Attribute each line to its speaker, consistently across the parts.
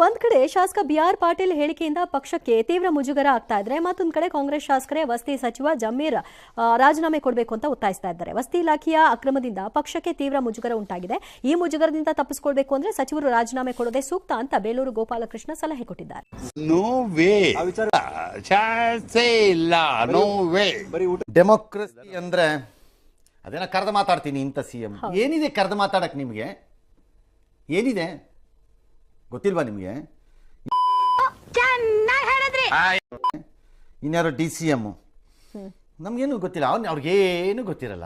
Speaker 1: ಒಂದ್ ಕಡೆ ಶಾಸಕ BR ಪಾಟೀಲ್ ಹೇಳಿಕೆಯಿಂದ ಪಕ್ಷಕ್ಕೆ ತೀವ್ರ ಮುಜುಗರ ಆಗ್ತಾ ಇದ್ರೆ, ಮತ್ತೊಂದ್ ಕಡೆ ಕಾಂಗ್ರೆಸ್ ಶಾಸಕರೇ ವಸತಿ ಸಚಿವ ಜಮೀರ್ ರಾಜೀನಾಮೆ ಕೊಡಬೇಕು ಅಂತ ಒತ್ತಾಯಿಸ್ತಾ ಇದ್ದಾರೆ. ವಸತಿ ಇಲಾಖೆಯ ಅಕ್ರಮದಿಂದ ಪಕ್ಷಕ್ಕೆ ತೀವ್ರ ಮುಜುಗರ ಉಂಟಾಗಿದೆ. ಈ ಮುಜುಗರದಿಂದ ತಪ್ಪಿಸಿಕೊಳ್ಬೇಕು ಅಂದ್ರೆ ಸಚಿವರು ರಾಜೀನಾಮೆ ಕೊಡೋದೇ ಸೂಕ್ತ ಅಂತ ಬೇಲೂರು ಗೋಪಾಲಕೃಷ್ಣ ಸಲಹೆ ಕೊಟ್ಟಿದ್ದಾರೆ.
Speaker 2: ಡೆಮೋಕ್ರಸಿ ಅಂದ್ರೆ ಅದೇನ ಕರೆದು ಮಾತಾಡ್ತೀನಿ ಇಂಥ CM. ಏನಿದೆ ಕರೆದು ಮಾತಾಡಕ್ ನಿಮ್ಗೆ? ಏನಿದೆ ಗೊತ್ತಿಲ್ವಾ ನಿಮ್ಗೆ? ಇನ್ಯಾರು DCM ನಮ್ಗೇನು ಗೊತ್ತಿಲ್ಲ. ಅವ್ರಿಗೇನು ಗೊತ್ತಿರಲ್ಲ.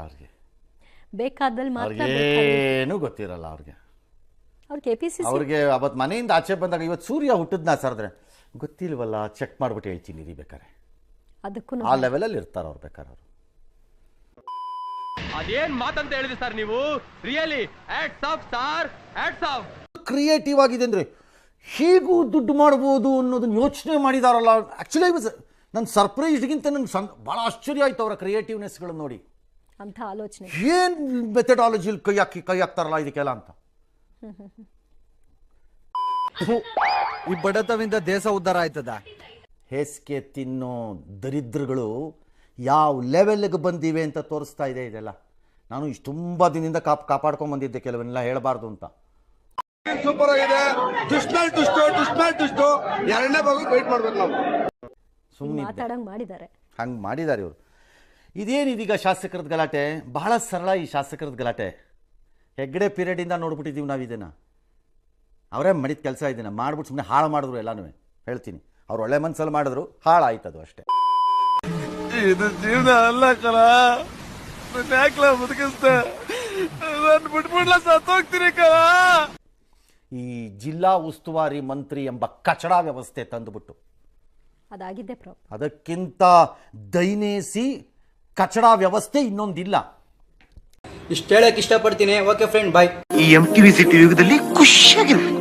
Speaker 2: ಅವ್ರಿಗೇನು ಗೊತ್ತಿರಲ್ಲ. ಅವ್ರಿಗೆ ಅವತ್ತು ಮನೆಯಿಂದ ಆಚೆ ಬಂದಾಗ ಇವತ್ತು ಸೂರ್ಯ ಹುಟ್ಟಿದ್ನ ಸರ್ದ್ರೆ ಗೊತ್ತಿಲ್ವಲ್ಲ, ಚೆಕ್ ಮಾಡ್ಬಿಟ್ಟು ಹೇಳ್ತೀನಿ ರೀ ಬೇಕಾರೆ. ಆ ಲೆವೆಲಲ್ಲಿ ಇರ್ತಾರೆ ಅವ್ರು ಬೇಕಾರೆ. ಅವರು
Speaker 3: ಅದೇನ್ ಮಾತಂತ ಹೇಳಿದ್ರಿ ಸರ್ ನೀವು? Really hats off sir, hats off.
Speaker 2: Creative ಆಗಿದೆ ಅಂದರೆ ಹೇಗೂ ದುಡ್ಡು ಮಾಡ್ಬೋದು ಅನ್ನೋದನ್ನ ಯೋಚನೆ ಮಾಡಿದಾರಲ್ಲ. ಆ್ಯಕ್ಚುಲಿ ನನ್ನ ಸರ್ಪ್ರೈಸ್ಗಿಂತ ನನಗೆ ಭಾಳ ಆಶ್ಚರ್ಯ ಆಯ್ತು ಅವರ ಕ್ರಿಯೇಟಿವ್ನೆಸ್ಗಳನ್ನು ನೋಡಿ.
Speaker 1: ಅಂತ ಆಲೋಚನೆ
Speaker 2: ಏನು ಮೆಥಡಾಲಜಿಲಿ ಕೈ ಹಾಕ್ತಾರಲ್ಲ ಇದಕ್ಕೆಲ್ಲ ಅಂತ.
Speaker 4: ಈ ಬಡತವಿಂದ ದೇಶ ಉದ್ಧಾರ ಆಯ್ತದ?
Speaker 2: ಹೇಸಿಗೆ ತಿನ್ನೋ ದರಿದ್ರಗಳು ಯಾವ ಲೆವೆಲ್ಗೆ ಬಂದಿವೆ ಅಂತ ತೋರಿಸ್ತಾ ಇದೆ ಇದೆಲ್ಲ. ನಾನು ಇಷ್ಟು ತುಂಬ ದಿನದಿಂದ ಕಾಪಾಡ್ಕೊಂಡ್ ಬಂದಿದ್ದೆ, ಕೆಲವನ್ನೆಲ್ಲ ಹೇಳಬಾರ್ದು ಅಂತ.
Speaker 5: ಸೂಪರ್ ಆಗಿದೆ. ಎರಡನೇ ಭಾಗ ವೇಟ್ ಮಾಡ್ಬೇಕು ನಾವು.
Speaker 2: ಸುಮ್ಮನೆ ಹಂಗೆ ಮಾಡಿದ್ದಾರೆ ಇವರು. ಇದೇನಿದೀಗ ಶಾಸಕರದ ಗಲಾಟೆ? ಬಹಳ ಸರಳ ಈ ಶಾಸಕರದ ಗಲಾಟೆ. ಹೆಗ್ಗಡೆ ಪೀರಿಯಡಿಂದ ನೋಡ್ಬಿಟ್ಟಿದ್ದೀವಿ ನಾವು ಇದನ್ನು. ಅವರೇ ಮಾಡಿದ ಕೆಲಸ ಇದನ್ನು ಮಾಡ್ಬಿಟ್ಟು ಸುಮ್ಮನೆ ಹಾಳು ಮಾಡಿದ್ರು ಎಲ್ಲನೂ. ಹೇಳ್ತೀನಿ, ಅವ್ರು ಒಳ್ಳೆ ಮನಸ್ಸಲ್ಲಿ ಮಾಡಿದ್ರು, ಹಾಳಾಯ್ತದು ಅಷ್ಟೇ.
Speaker 4: ಇದು ಜೀವನ ಅಲ್ಲ ಕಲ. ಯಾಕಲ ಬದುಕಿಸ್ತೆ? ನಾನು ಬಿಟ್ಬಿಡ್ಲ ಸತ್ತೋಗ್ತೀನಿ ಕಲ.
Speaker 2: ಈ ಜಿಲ್ಲಾ ಉಸ್ತುವಾರಿ ಮಂತ್ರಿ ಎಂಬ ಕಚಡ ವ್ಯವಸ್ಥೆ ತಂದುಬಿಟ್ಟು
Speaker 1: ಅದಾಗಿದ್ದೆ
Speaker 2: ಅದಕ್ಕಿಂತ ದೈನೇಸಿ ಕಚಡ ವ್ಯವಸ್ಥೆ ಇನ್ನೊಂದಿಲ್ಲ.
Speaker 6: ಇಷ್ಟು ಹೇಳಕ್ ಇಷ್ಟಪಡ್ತೀನಿ. Okay friend, bye.
Speaker 7: ಈ MTV ಸಿಟಿ ಯುಗದಲ್ಲಿ ಖುಷಿಯಾಗಿರು.